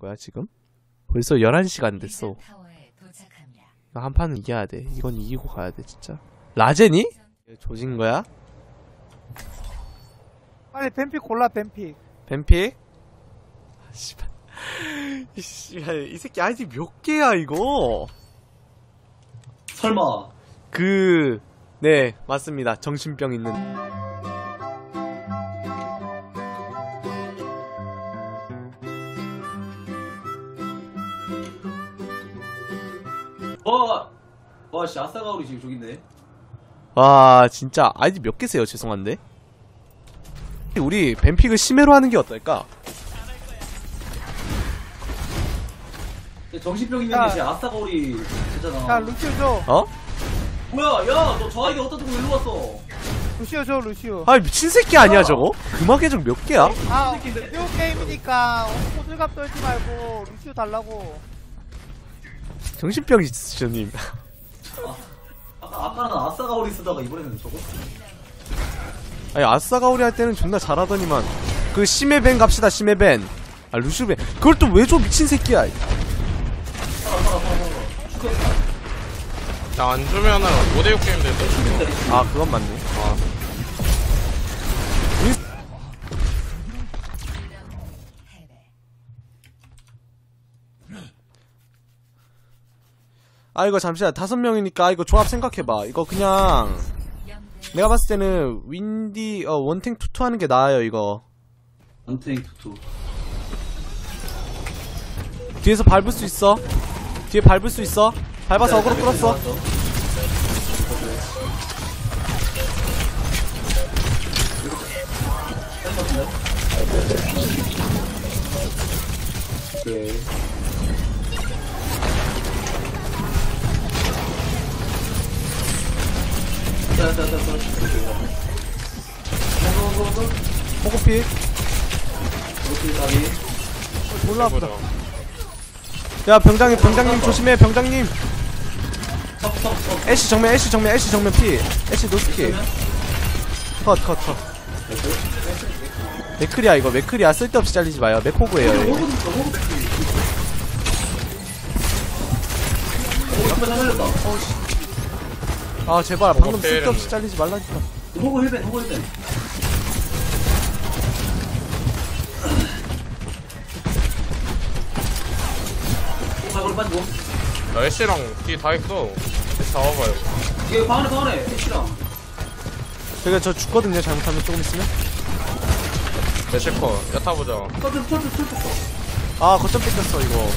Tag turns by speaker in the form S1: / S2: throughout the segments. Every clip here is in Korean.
S1: 거야 지금? 벌써 11시간 됐어. 이거 한 판은 이겨야 돼. 이건 이기고 가야 돼 진짜. 라젠이? 조진 거야?
S2: 빨리 뱀픽 골라 뱀픽.
S1: 뱀픽? 씨발. 이 새끼 아이디 몇 개야 이거?
S3: 설마.
S1: 네 맞습니다. 정신병 있는.
S3: 씨, 아싸가오리 지금 저기 있네.
S1: 와 진짜 아이디 몇 개세요? 죄송한데. 우리 뱀픽을 심해로 하는 게 어떨까?
S3: 정신병 있는 게 진짜 아싸가오리 했잖아.
S2: 야 루시오 줘.
S1: 어?
S3: 뭐야, 야, 너 저 아이디 어디다 두고 일로 왔어?
S2: 루시오 줘 루시오.
S1: 아 미친 새끼 아니야 저거? 금화 계정 몇 개야?
S2: 아 루시오 게임이니까 호들갑 떨지 말고 루시오 달라고.
S1: 정신병 있으셔님.
S3: 아까는 아싸가오리 쓰다가 이번에는 저거?
S1: 아니 아싸가오리 할 때는 존나 잘하더니만. 그 심해벤 갑시다. 심해벤. 아 루시벤 그걸 또 왜 줘 미친 새끼야.
S3: 살아.
S4: 야, 안 주면은 5대6 게임 되는데.
S1: 아 그건 맞네. 아 이거 잠시만 5명이니까 이거 조합 생각해봐. 이거 그냥 내가 봤을 때는 윈디 원탱 투투 하는 게 나아요 이거.
S3: 원탱 투투.
S1: 뒤에서 밟을 수 있어. 뒤에 밟을 수 있어. 밟아서 어그로 끌었어.
S3: 오케이.
S1: 호구피 몰라 보다. 야 병장님 조심해. 병장님 애쉬 정면 애쉬 정면 피. 애쉬 노스키 컷 맥크리야 이거. 맥크리야 쓸데없이 잘리지 마요. 맥호구예요 이거. 아 제발 방금 쓸데없이 잘리지 말라니까.
S3: 호구 힐벤. 빠지고.
S4: 나 애쉬랑 뒤 다 있어. 잡아봐요.
S3: 이거 방 안에 애쉬랑.
S1: 제가 저 죽거든요 잘못하면. 조금 있으면.
S4: 애쉬커. 야타 보자.
S3: 철.
S1: 아 거점 뺏겼어 이거.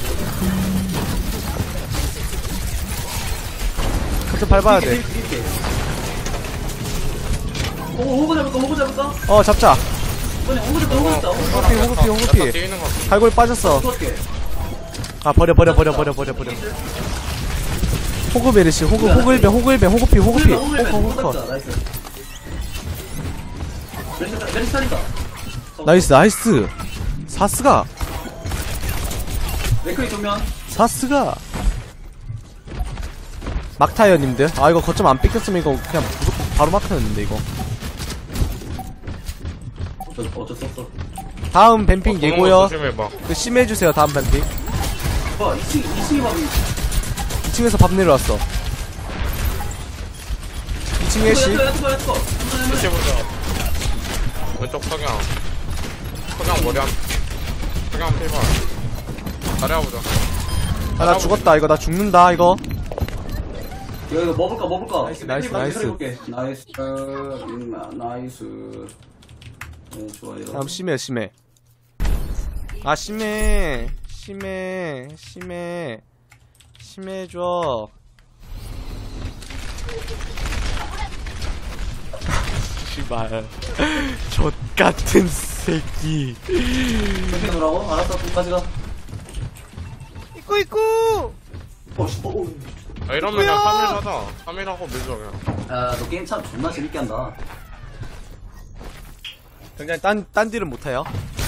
S1: 거점 밟아야 돼.
S3: 호구 잡을까?
S1: 잡자.
S3: 호구 잡다.
S1: 호구피
S4: 야타 뒤에 있는 거 같아.
S1: 갈고리 빠졌어. 아 버려. 호그 베르시 호그 일벤 호구피 호구 나이스 사스가
S3: 맥크리 정면.
S1: 사스가 막타요 님들. 아 이거 거점 안 뺏겼으면 이거 그냥 무조건 바로 막타였는데 이거.
S3: 어쩔 수 없어.
S1: 다음 뱀핑 예고요.
S4: 조심해봐.
S1: 그 심해주세요 다음 뱀핑.
S3: 봐, 2층이 밥이.
S1: 2층에서 밥 내려왔어. 2층 애쉬.
S4: 애쉬 보자. 왼쪽 석양 머리 한 석양 필발. 잘해보자.
S1: 아 나 죽었다 이거. 나 죽는다 이거.
S3: 이거 먹을까?
S1: 나이스.
S3: 나이스. 네, 좋아요.
S1: 다음 심해. 아 심해줘. 씨발 젖같은 새끼.
S3: 어떻게 놀라고? 알았어, 끝까지 가.
S2: 입구.
S4: 아, 이러면 그냥 3일 하자. 3일 하고 밀자 그냥.
S3: 야, 너 게임 참 존나 재밌게 한다.
S1: 굉장히 딴 딜은 못해요.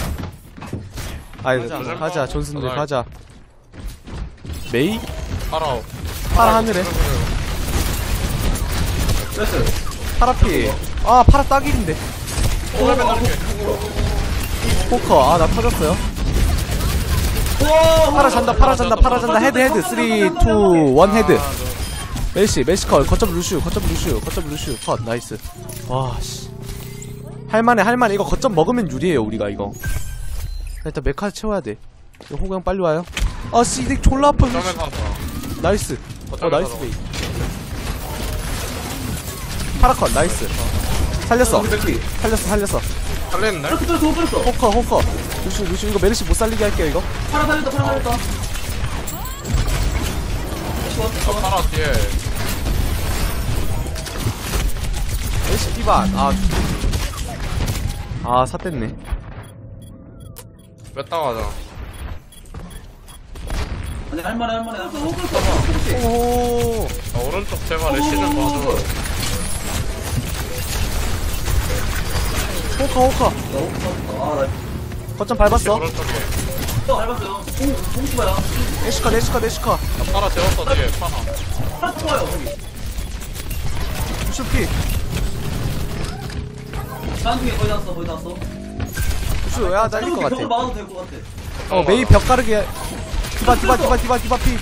S1: 아이 가자 존슨들 가자. 메이? 파라 하늘에. 파라피. 아 파라 딱일인데. 포커. 아 나 터졌어요. 파라 잔다 파라 잔다 파라 잔다 헤드 헤드 3 2 1 헤드 메시 컷 거점 루슈 컷 나이스. 와씨 할만해 이거 거점 먹으면 유리해요 우리가 이거. 일단 메카 채워야 돼. 이거 호구 형 빨리 와요. 아 씨덱 졸라 아파.
S4: 점에 가서.
S1: 나이스.
S4: 거점에
S1: 나이스
S4: 가서.
S1: 베이. 파라컷 나이스. 살렸어. 살렸어.
S4: 살렸네?
S1: 호커. 루슈 이거 메르시 못 살리게 할게요 이거.
S3: 파라 살렸다.
S4: 파라 뒤에.
S1: 메르시 피반. 삿됐네.
S4: 몇 당하자.
S3: 아니 할만해.
S1: 오.
S4: 오른쪽 제발 애쉬는 봐줘.
S1: 호커.
S3: 아나
S1: 거점 밟았어.
S4: 오른쪽에.
S3: 또 밟았어요. 홍수봐요.
S1: 애쉬컷.
S4: 파라 재웠어 뒤에 파라.
S3: 파라 좋아요 거기.
S1: 루슈 피.
S3: 다음 중에 거의 다 왔어.
S1: 루슈 야 날릴 것
S3: 벽을
S1: 같아.
S3: 막아도 될 것 같아.
S1: 메이 벽 가르게. 디바 피.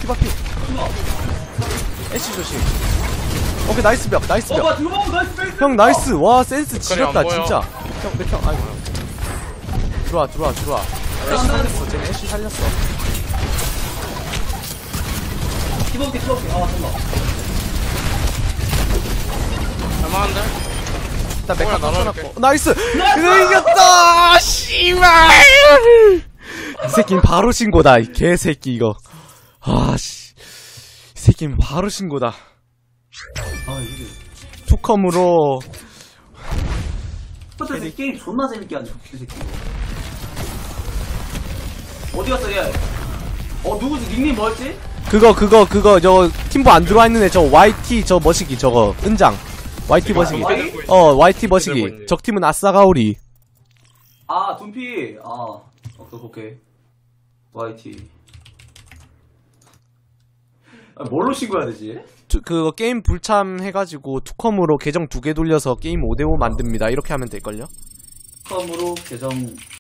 S1: 애쉬 조심. 오케이 나이스 벽.
S3: 나이스 베이스.
S1: 형 나이스. 와 센스 지렸다
S4: 안 보여.
S1: 진짜. 형 아이고. 들어와. 애쉬 살렸어. 쟤네 애쉬 살렸어.
S3: 기본기. 아 잠깐만.
S4: 할만한데?
S1: 일단 메카
S4: 뭐야,
S1: 던져놨고. 나이스. 그래 이겼다. 씨발. 이 새끼는 바로 신고다. 이 개새끼 이거. 이 새끼는 바로 신고다.
S3: 아 이게.
S1: 투컴으로.
S3: 이 게임 존나 재밌게 하네 이 새끼. 어디 갔어 얘? 누구지? 닉네임 뭐였지?
S1: 그거 저 팀보 안 들어와 있는 애 저 YT 저 머시기 저거 은장. YT 머시기. YT 머시기. 적 팀은 아싸가오리.
S3: 아 둠피. 오케이. YT. 뭘로 신고해야 되지?
S1: 그거 게임 불참해가지고 투컴으로 계정 2개 돌려서 게임 5대5 만듭니다. 이렇게 하면 될걸요?
S3: 처음으로 계정